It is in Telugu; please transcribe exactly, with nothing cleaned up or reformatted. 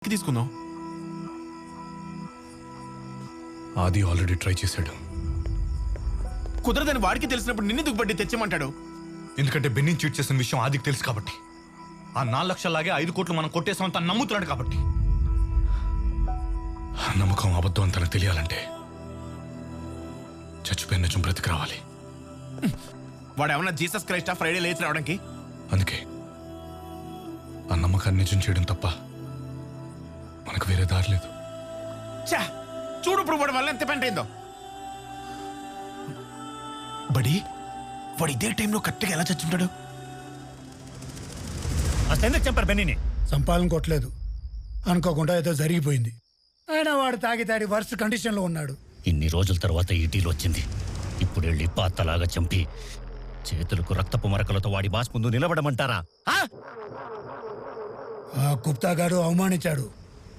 వెనక్కి తీసుకుందాం. ఆది ఆల్రెడీ ట్రై చేశాడు. కుదరదని వాడికి తెలిసినప్పుడు నిన్ను దుగ్గుబట్టి తెచ్చమంటాడు. ఎందుకంటే బెన్నీ చీట్ చేసిన విషయం ఆదికి తెలుసు కాబట్టి. ఆ నాలుగు లక్షలాగే ఐదు కోట్లు మనం కొట్టేసామని తను నమ్ముతున్నాడు కాబట్టి. నమ్మకం అబద్ధం అని తనకు తెలియాలంటే చచ్చిపోయిన నిజం బ్రతికి రావాలి. వాడు ఏమన్నా జీసస్ క్రైస్టా ఫ్రైడే లేచి రావడానికి? అందుకే ఆ నమ్మకాన్ని నిజం చేయడం తప్ప మనకు వేరే దారి లేదు. చా చూడు ఇప్పుడు వాడి వల్ల ఎంత పెంట అయిందో. బడి వాడు ఇదే టైంలో కరెక్ట్గా ఎలా చచ్చుంటాడు? అసలు ఎందుకు చంపారు బెన్నీని? చంపాలని కొట్టలేదు, అనుకోకుండా ఏదో జరిగిపోయింది. అయినా వాడు తాగి తాగి వర్స్ట్ కండిషన్లో ఉన్నాడు. ఇన్ని రోజుల తర్వాత ఈ డీల్ వచ్చింది. ఇప్పుడు వెళ్ళి పాతలాగా చంపి చేతులకు రక్తపు మరకలతో వాడి బాస్ ముందు నిలబడమంటారా? ఆ గుప్తా గారు అవమానించాడు.